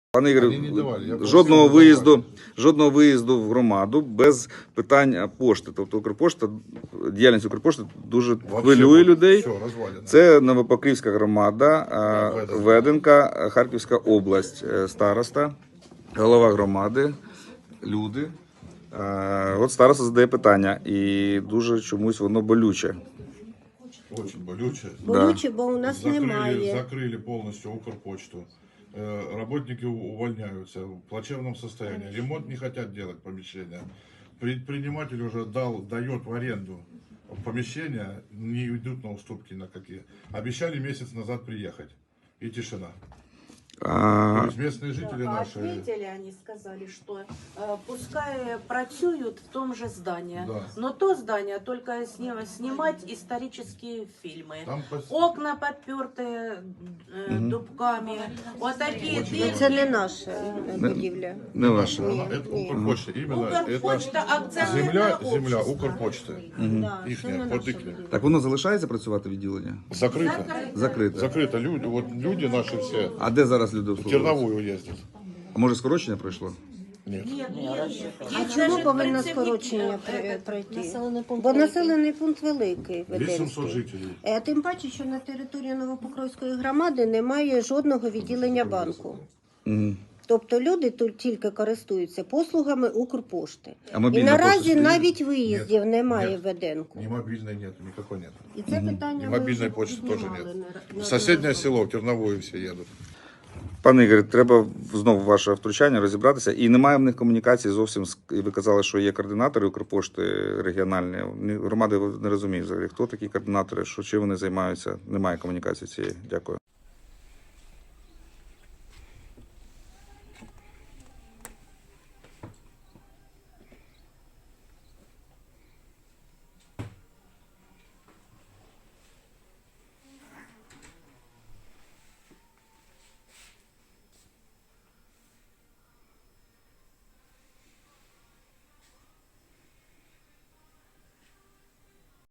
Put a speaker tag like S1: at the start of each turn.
S1: Пане Ігорю,
S2: Вони не давали.
S1: жодного виїзду в громаду без питань пошти. Тобто Укрпошта, діяльність Укрпошти дуже хвилює людей.
S2: Все, розвалено.
S1: Це Новопокрівська громада, Веденка, Харківська область, староста, голова громади, люди. От староста задає питання, і дуже чомусь воно болюче.
S2: Очень болюче.
S3: Болюче, бо у нас немає.
S2: Закрыли полностью Укрпочту. Работники увольняются в плачевном состоянии. Ремонт не хотят делать помещения. Предприниматель уже дает в аренду помещения, не идут на уступки на какие. Обещали месяц назад приехать. И тишина. То есть местные жители наши...
S4: Ответили, они сказали, что пускай працюют в том же здании.
S2: Да.
S4: Но то здание только снимать исторические фильмы.
S2: Там
S4: Окна подперты дубками. Вот такие двери.
S3: Це не наша будівля.
S1: Не ваше.
S2: Это Укрпочта. Именно
S4: Укрпочта,
S2: это
S4: акционерное
S2: земля
S4: общество.
S2: Укрпочты.
S3: Да,
S2: Їхня,
S3: це не
S2: под
S3: наша
S2: їхня.
S3: будівля.
S1: Так воно залишається працювати відділення?
S2: Закрыто.
S1: Закрите.
S2: Закрыто. Люди, вот люди наши все
S1: А де зараз люди
S2: в
S1: обслуговуються?
S2: Терновую ездят.
S1: А може скорочення пройшло?
S2: Нет.
S3: А чому повинно скорочення пройти? Бо населений пункт великий,
S2: 800
S3: Веденський.
S2: жителей.
S3: Тим паче, що на території Новопокровської громади немає жодного відділення банку.
S1: Мгм.
S3: Тобто люди тут тільки користуються послугами Укрпошти.
S1: А
S3: І
S1: мобільна
S3: наразі
S1: пошта стоїть?
S3: навіть виїздів немає
S2: Нет.
S3: в Веденку.
S2: Ни мобильной нет, никакой нет.
S3: І це питання
S2: И
S3: ми
S2: мобильной
S3: вже
S2: почты тоже
S3: піднімали
S2: нет.
S3: на
S2: В соседнее село, в Терновую все едут.
S1: Пане Ігорі, треба знову ваше втручання розібратися. І немає в них комунікації зовсім. І ви казали, що є координатори Укрпошти регіональні. Громади не розуміють взагалі, хто такі координатори, чим вони займаються. Немає комунікації цієї. Дякую.